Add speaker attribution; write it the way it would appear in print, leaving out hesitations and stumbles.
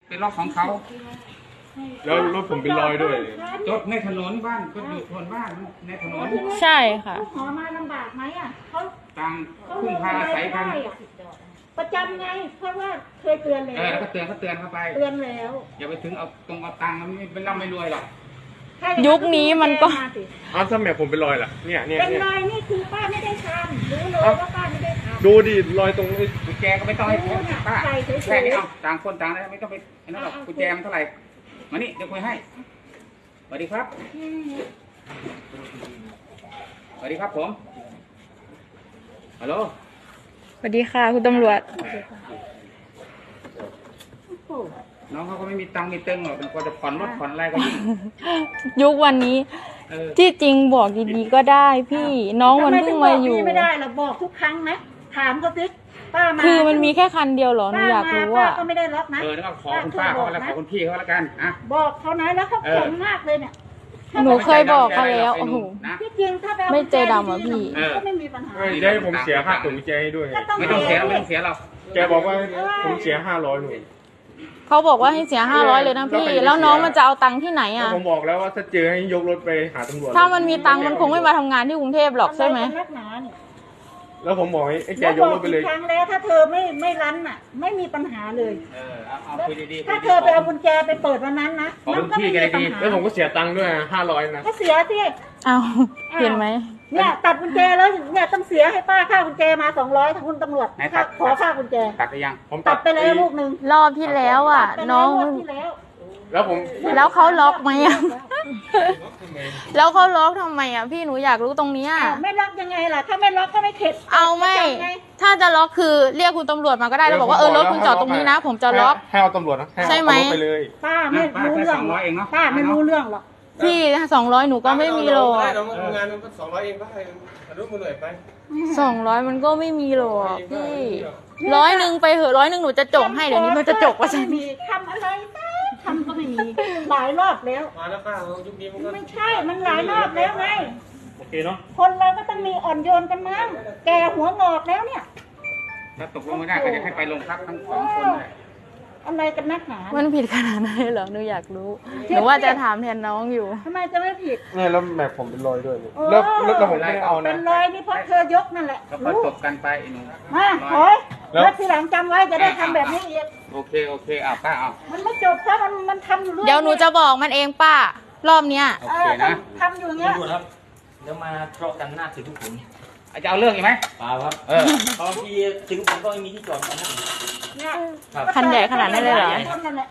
Speaker 1: เป็นล็อกของเขา
Speaker 2: แล้วรถผมเป็นรอยด้วย
Speaker 1: จดในถนนบ้านก็อยู่ถนนบ้านในถนน
Speaker 3: ใช่ค่ะ
Speaker 4: ขอมาลำบากไหมอ่ะเขา
Speaker 1: ต่างพึ่งพาอาศัยกัน
Speaker 4: ประจำไงเพราะว่าเคยเตือนแล้ว
Speaker 1: แล้วก็เตือนเข้าไป
Speaker 4: เตือนแล้ว
Speaker 1: อย่าไปถึงเอาตังค์มันไม่เป็นร่ำไม่รวยหรอก
Speaker 3: ยุคนี้มันก็
Speaker 2: ถ้าแม่ผมเป็นรอยล่ะเนี่ย
Speaker 4: เป็นรอยนี่คือป้าไม่ได้ทำรู้เลยว่าป้าไม่ได้ทำ
Speaker 2: ดูดิรอยตรง
Speaker 1: กุญแจก็ไม่ต้องให้ป้าแค่นี้เอาต่างคนต่างได้ไม่ต้องไปนั่นหรอกกุญแจมันเท่าไหร่มานี่เดี๋ยวคุยให้สวัสดีครับสวัสดีครับผมฮัลโหล
Speaker 3: สวัสดีค่ะคุณตำรวจ
Speaker 1: น้องเขาก็ไม่มีตังค์มีเติงหรอกเป็นคนจะผ่อนรถผ่อนอะไรก็ยิ่ง
Speaker 3: ยุควันนี้ที่จริงบอกดีๆก็ได้พี่น้องมันเพิ่งมาอยู่
Speaker 4: ไม่ได้เราบอกทุกครั้งนะถามเขาสิป้ามา
Speaker 3: คือมันมีแค่คันเดียวเหรอหนูอยากรู้ว่า
Speaker 4: ก็ไม่ได้ล็อกนะ
Speaker 1: แล้วก็ขอคุณป้าเขาแล้วขอคุณพี่เขาแล้วกันอ่ะ
Speaker 4: บอกเขานะแล้วเขาขนมากเลยเนี่ย
Speaker 3: หนูเคยบอกเขาแล้วโอ้โห
Speaker 4: ที่จริงถ้า
Speaker 3: ไม่ใจดำอ่ะพี่
Speaker 4: ก็ไม่มีปัญหา
Speaker 2: ได้ผมเสียค่าตั๋วกุญแจให้ด้วย
Speaker 1: ไม่ต้องเสียเรา
Speaker 2: แกบอกว่าผมเสีย500หนู
Speaker 3: เขาบอกว่าให้เสีย500เลยนะพี่แล้วน้องมันจะเอาตังค์ที่ไหนอ่ะ
Speaker 2: ผมบอกแล้วว่าถ้าเจอให้ยกรถไปหาตำรวจ
Speaker 3: ถ้ามันมีตังค์มันคงไม่มาทำงานที่กรุงเทพหรอกใช่ไหม
Speaker 2: แล้วผมบอกให้แกยกรถไปเลย
Speaker 4: ครั้งแล้วถ้าเธอไม่รั้นอ่ะไม่มีปัญหาเลย
Speaker 1: เอาคุยดีๆ
Speaker 4: ถ้าเธอไปเอากุญแจไปเปิดวันนั้นนะ
Speaker 1: มันก็ไม่มีปัญหา
Speaker 2: แล้วผมก็เสียตังค์ด้วย500นะ
Speaker 4: ก็เสียสิ
Speaker 3: เอาเห็นไหม
Speaker 4: เนี่ยตัดกุญแจแล้วเนี่ยต้องเสียให้ป้าค่ากุญแจมา200ทั้งคุณตำรวจขอค่ากุญแจ
Speaker 1: ตัดไปยัง
Speaker 4: ผมตัดไปแล้วลูกนึง
Speaker 3: รอบที่แล้วอ่ะน้องแล้วเขาล็อกไหมอ่ะแล้วเขาล็อกทำไมอ่ะพี่หนูอยากรู้ตรงนี้
Speaker 4: ไม่ล็อกยังไงล่ะถ้าไม่ล็อกก็ไม่เข็ด
Speaker 3: เอาไม่ถ้าจะล็อกคือเรียกคุณตำรวจมาก็ได้แล้วบอกว่ารถคุณจอดตรงนี้นะผมจะล็อก
Speaker 2: ให้เอาตำรวจนะ
Speaker 3: ใช่ไหม
Speaker 2: ไปเลย
Speaker 4: ป้าไม่รู้เรื่องป้าไม่รู้เรื่องหรอก
Speaker 3: พี่200หนูก็ไม่มีหรอก
Speaker 2: งานมัน200เองก็ให้อนุมือหน่อยไป
Speaker 3: 200มันก็ไม่มีหรอกพี่100ไปเหอะ100หนูจะจกให้เดี๋ยวนี้มันจะจกว่าใช่ไหม
Speaker 4: ทำอะไรทำก็ไม่มีหลายรอบแล้ว
Speaker 2: มาแล้วป้ายุคนี้มันก็
Speaker 4: ไม่ใช่มันหลายรอบแล้วไง
Speaker 2: โอเคเนาะ
Speaker 4: คนเราก็ต้องมีอ่อนโยนกันมั้งแกหัวงอกแล้วเนี่ย
Speaker 1: ถ้าตกลงไม่ได้ก็จะให้ไปโรงพักทั้ง2คนเลย
Speaker 4: อะไรกันนักหนา
Speaker 3: มันผิดขนาดไหนเหรอหนูอยากรู้หนูว่าจะถามแทนน้องอยู่
Speaker 4: ทำไมจะไม่ผิด
Speaker 2: เนี่ยแล้วแม่ผมเป็นรอยด้วยแล้วผมไม่ได้เอานะ
Speaker 4: เป็นรอยนี่เพราะเธอยกนั่นแหละ
Speaker 1: ก็จบกันไปหนู
Speaker 4: มาโอ้ยแล้วทีหลังจำไว้จะได้ทำแบบนี้อีก
Speaker 1: โอเคเอาป้าเอา
Speaker 4: มันไม่จบถ้ามันทำอยู่เรื่อย
Speaker 3: เดี๋ยวหนูจะบอกมันเองป้ารอบเนี้ย
Speaker 1: โอเคนะ
Speaker 4: ทำอยู่เงี้ย
Speaker 5: เดี๋ยวมาทะเลาะกันหน้าถึงทุกคน
Speaker 1: จะเอาเรื่องอีกไหม
Speaker 5: เปล่าครับบางทีถึงผมก็ไม่มีที่จอดกัน
Speaker 3: คันใหญ่ขนาดนั้นเลยเหรอ